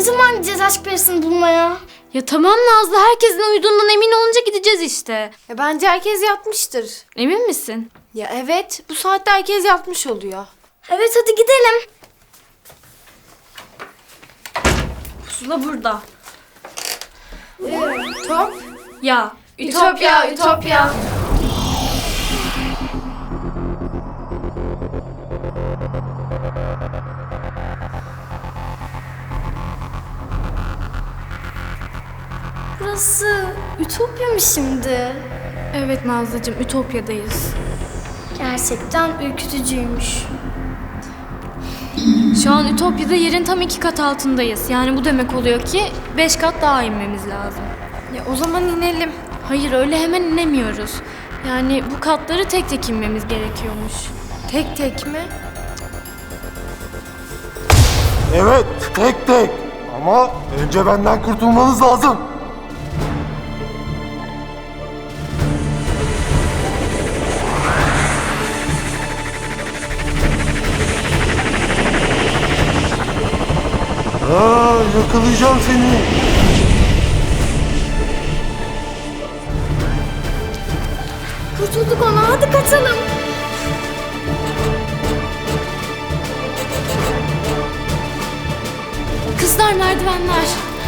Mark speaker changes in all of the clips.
Speaker 1: Ne zaman gideceğiz aşk perisini bulmaya?
Speaker 2: Ya tamam Nazlı, herkesin uyuduğundan emin olunca gideceğiz işte.
Speaker 3: Bence herkes yatmıştır.
Speaker 2: Emin misin?
Speaker 3: Ya evet, bu saatte herkes yatmış oluyor.
Speaker 1: Evet hadi gidelim.
Speaker 2: Pusula burada.
Speaker 3: Top.
Speaker 2: Ya
Speaker 3: Ütopya, Ütopya.
Speaker 1: Burası Ütopya mı şimdi?
Speaker 2: Evet Nazlıcığım, Ütopya'dayız.
Speaker 1: Gerçekten ürkütücüymüş.
Speaker 2: Şu an Ütopya'da yerin tam 2 kat altındayız. Yani bu demek oluyor ki 5 kat daha inmemiz lazım.
Speaker 3: Ya o zaman inelim.
Speaker 2: Hayır, öyle hemen inemiyoruz. Yani bu katları tek tek inmemiz gerekiyormuş.
Speaker 3: Tek tek mi?
Speaker 4: Evet, tek tek. Ama önce benden kurtulmanız lazım. Yakalayacağım seni.
Speaker 1: Kurtulduk ona, hadi kaçalım.
Speaker 2: Kızlar, merdivenler.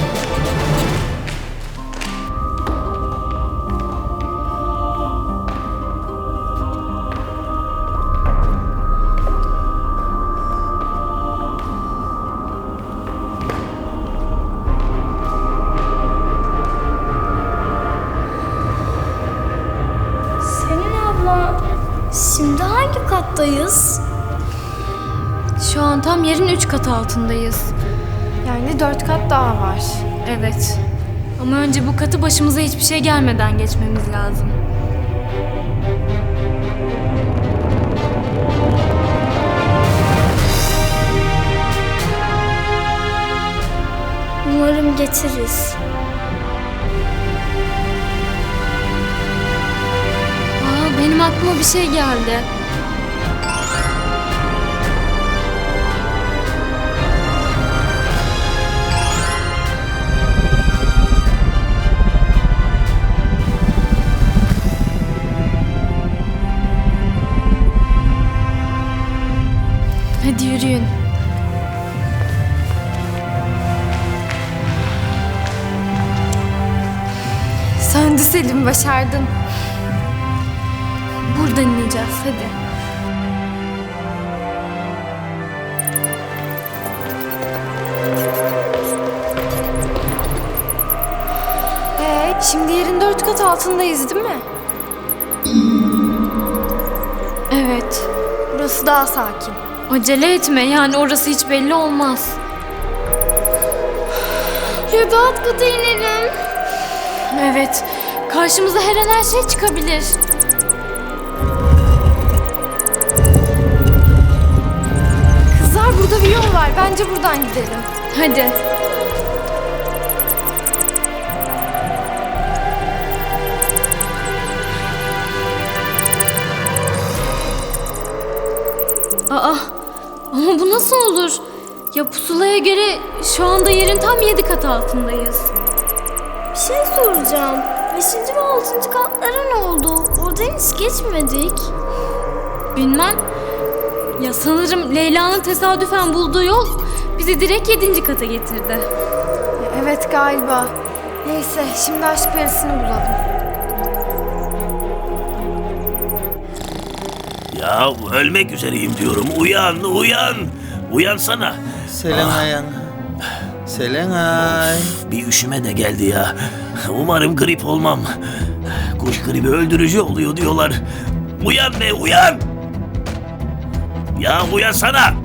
Speaker 1: Selin abla, şimdi hangi kattayız?
Speaker 2: Şu an tam yerin 3 kat altındayız.
Speaker 3: Yani 4 kat daha var.
Speaker 2: Evet. Ama önce bu katı başımıza hiçbir şey gelmeden geçmemiz lazım.
Speaker 1: Umarım geçeriz.
Speaker 2: Benim aklıma bir şey geldi. Hadi yürüyün.
Speaker 3: Söndü Selim, başardın.
Speaker 2: Buradan ineceğiz, hadi.
Speaker 3: Şimdi yerin 4 kat altındayız değil mi?
Speaker 2: Evet.
Speaker 3: Burası daha sakin.
Speaker 2: Acele etme, yani orası hiç belli olmaz.
Speaker 1: Ya da alt kata inelim.
Speaker 2: Evet. Karşımıza her an her şey çıkabilir.
Speaker 3: Kızlar, burada bir yol var. Bence buradan gidelim.
Speaker 2: Hadi. Aa, ama bu nasıl olur? Ya pusulaya göre şu anda yerin tam 7 kat altındayız.
Speaker 1: Bir şey soracağım. 5. ve 6. katlara ne oldu? Oradan hiç geçmedik.
Speaker 2: Bilmem. Ya sanırım Leyla'nın tesadüfen bulduğu yol bizi direkt 7. kata getirdi.
Speaker 3: Evet galiba. Neyse, şimdi aşk perisini bulalım.
Speaker 5: Ya ölmek üzereyim diyorum. Uyan, uyan. Uyansana.
Speaker 6: Selenay. Selenay.
Speaker 5: Bir üşüme de geldi ya. Umarım grip olmam. Kuş gribi öldürücü oluyor diyorlar. Uyan be, uyan. Ya uyansana.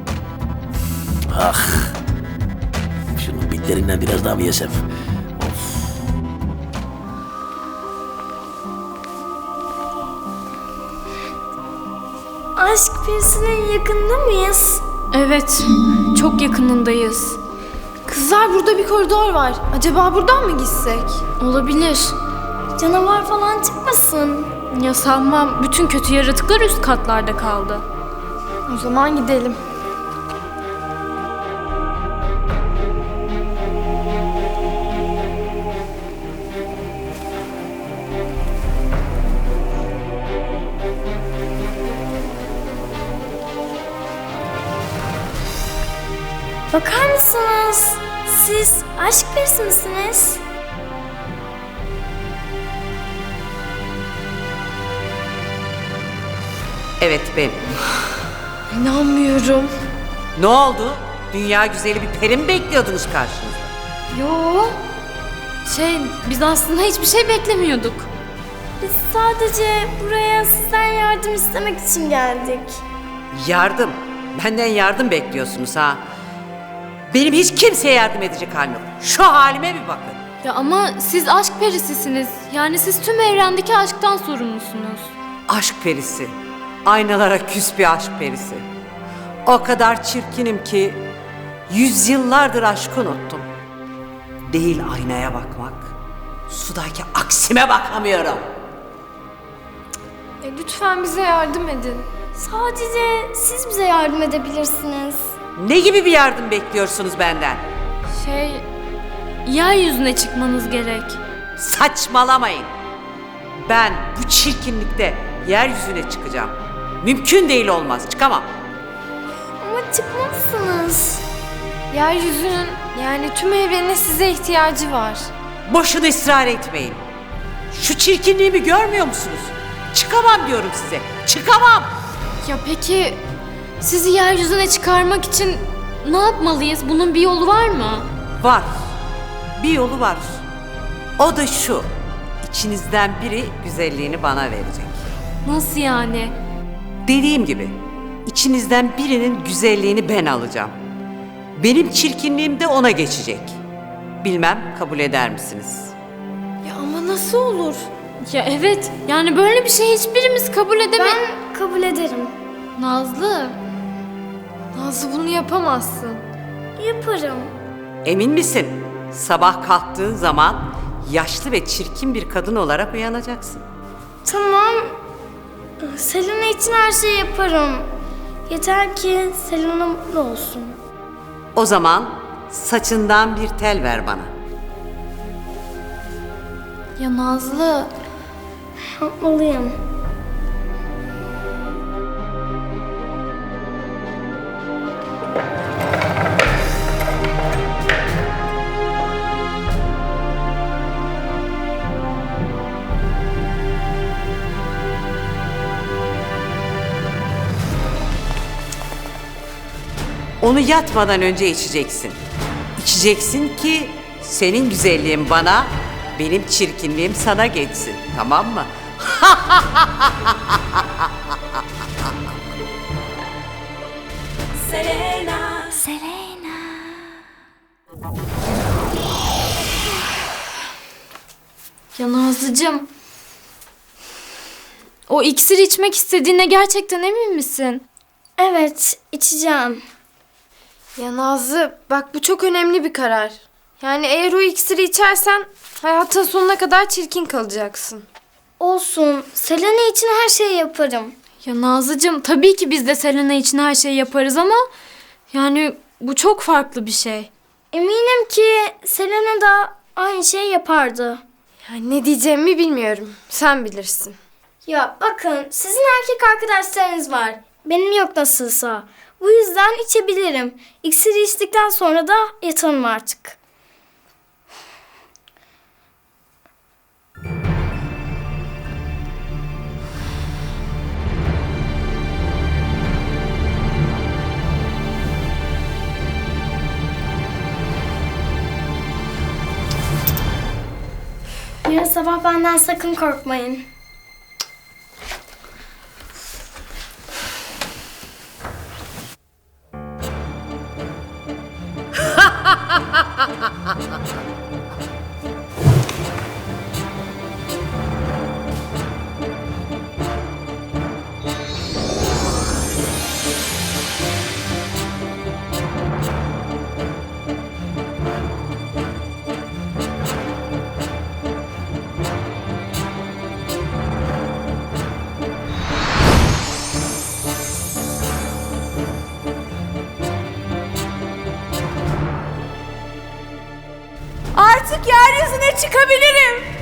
Speaker 5: Ah. Şunun bitlerinden biraz daha mı yesem? Of.
Speaker 1: Aşk perisinin yakında mıyız?
Speaker 2: Evet, çok yakınındayız.
Speaker 3: Kızlar, burada bir koridor var. Acaba buradan mı gitsek?
Speaker 2: Olabilir.
Speaker 1: Canavar falan çıkmasın.
Speaker 2: Ya sanmam, bütün kötü yaratıklar üst katlarda kaldı.
Speaker 3: O zaman gidelim.
Speaker 1: Bakar mısınız? Siz aşk perisi misiniz?
Speaker 6: Evet benim.
Speaker 3: İnanmıyorum.
Speaker 6: Ne oldu? Dünya güzeli bir peri mi bekliyordunuz karşınızda?
Speaker 2: Yo. Biz aslında hiçbir şey beklemiyorduk.
Speaker 1: Biz sadece buraya sizden yardım istemek için geldik.
Speaker 6: Yardım. Benden yardım bekliyorsunuz ha. Benim hiç kimseye yardım edecek halim yok. Şu halime bir bakın.
Speaker 2: Ya ama siz aşk perisisiniz. Yani siz tüm evrendeki aşktan sorumlusunuz.
Speaker 6: Aşk perisi. Aynalara küs bir aşk perisi. O kadar çirkinim ki yüzyıllardır aşkı unuttum. Değil aynaya bakmak, sudaki aksime bakamıyorum.
Speaker 3: Lütfen bize yardım edin.
Speaker 1: Sadece siz bize yardım edebilirsiniz.
Speaker 6: Ne gibi bir yardım bekliyorsunuz benden?
Speaker 2: Yeryüzüne çıkmanız gerek.
Speaker 6: Saçmalamayın. Ben bu çirkinlikte yeryüzüne çıkacağım. Mümkün değil, olmaz, çıkamam.
Speaker 1: Ama çıkmazsınız.
Speaker 3: Yeryüzünün yani tüm evrenin size ihtiyacı var.
Speaker 6: Boşuna ısrar etmeyin. Şu çirkinliğimi görmüyor musunuz? Çıkamam diyorum size. Çıkamam.
Speaker 2: Ya peki sizi yeryüzüne çıkarmak için ne yapmalıyız? Bunun bir yolu var mı?
Speaker 6: Var. Bir yolu var. O da şu. İçinizden biri güzelliğini bana verecek.
Speaker 2: Nasıl yani?
Speaker 6: Dediğim gibi içinizden birinin güzelliğini ben alacağım. Benim çirkinliğim de ona geçecek. Bilmem kabul eder misiniz?
Speaker 3: Ya ama nasıl olur?
Speaker 2: Ya evet. Yani böyle bir şey hiçbirimiz kabul edemeyiz.
Speaker 1: Ben kabul ederim.
Speaker 2: Nazlı.
Speaker 3: Nazlı bunu yapamazsın.
Speaker 1: Yaparım.
Speaker 6: Emin misin? Sabah kalktığın zaman yaşlı ve çirkin bir kadın olarak uyanacaksın.
Speaker 1: Tamam. Selena için her şeyi yaparım. Yeter ki Selena mutlu olsun.
Speaker 6: O zaman saçından bir tel ver bana.
Speaker 2: Ya Nazlı.
Speaker 1: Yapmalıyım.
Speaker 6: Onu yatmadan önce içeceksin. İçeceksin ki senin güzelliğin bana, benim çirkinliğim sana geçsin. Tamam mı?
Speaker 2: Ya Nazlıcığım. O iksiri içmek istediğine gerçekten emin misin?
Speaker 1: Evet, içeceğim.
Speaker 3: Ya Nazlı bak bu çok önemli bir karar. Yani eğer o iksiri içersen hayatın sonuna kadar çirkin kalacaksın.
Speaker 1: Olsun. Selena için her şeyi yaparım.
Speaker 2: Ya Nazlıcığım tabii ki biz de Selena için her şeyi yaparız ama yani bu çok farklı bir şey.
Speaker 1: Eminim ki Selena da aynı şeyi yapardı.
Speaker 3: Yani ne diyeceğimi bilmiyorum. Sen bilirsin.
Speaker 1: Ya bakın, sizin erkek arkadaşlarınız var. Benim yok nasılsa. Bu yüzden içebilirim. İksiri içtikten sonra da yatalım artık. Yarın sabah benden sakın korkmayın.
Speaker 3: Artık yeryüzüne çıkabilirim.